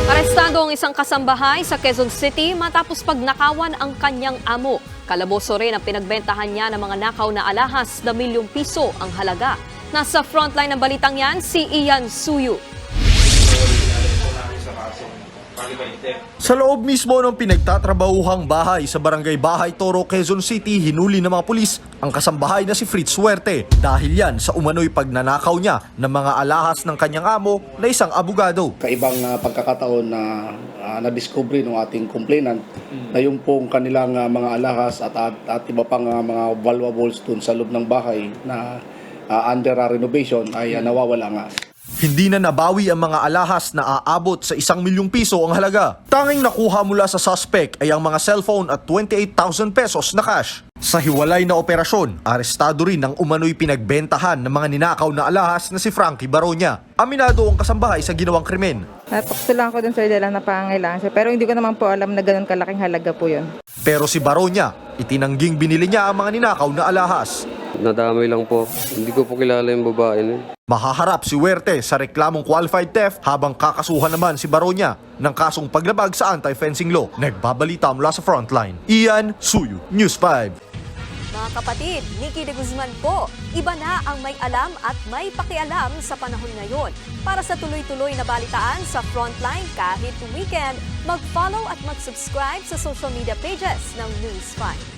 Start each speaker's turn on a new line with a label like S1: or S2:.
S1: Arestado ang isang kasambahay sa Quezon City matapos pagnakawan ang kanyang amo. Kalaboso rin ang pinagbentahan niya ng mga nakaw na alahas na milyong piso ang halaga. Nasa frontline ng balitang yan, si Ian Suyu.
S2: Sa loob mismo ng pinagtatrabahuhang bahay sa Barangay Bahay Toro, Quezon City, hinuli ng mga pulis ang kasambahay na si Fritz Suerte dahil yan sa umano'y pagnanakaw niya ng mga alahas ng kanyang amo na isang abogado.
S3: Kaibang pagkakataon na na-discovery ng ating complainant na yung pong kanilang mga alahas at iba pang mga valuables dun sa loob ng bahay na under renovation ay nawawala nga.
S2: Hindi na nabawi ang mga alahas na aabot sa 1 milyong piso ang halaga. Tanging nakuha mula sa suspect ay ang mga cellphone at 28,000 pesos na cash. Sa hiwalay na operasyon, arestado rin ang umano'y pinagbentahan ng mga ninakaw na alahas na si Frankie Baronia. Aminado ang kasambahay sa ginawang krimen.
S4: Natukso lang ako dun sir dahil lang napangangailangan siya. Pero hindi ko naman po alam na ganun kalaking halaga po yun.
S2: Pero si Baronia, itinangging binili niya ang mga ninakaw na alahas.
S5: Nadamay lang po. Hindi ko po kilala yung babae na.
S2: Mahaharap si Huerte sa reklamong qualified theft habang kakasuhan naman si Baronia ng kasong paglabag sa anti-fencing law. Nagbabalita mula sa frontline. Ian Suyu, News 5.
S1: Mga kapatid, Nikki de Guzman po. Iba na ang may alam at may pakialam sa panahon ngayon. Para sa tuloy-tuloy na balitaan sa Frontline kahit weekend, mag-follow at mag-subscribe sa social media pages ng News 5.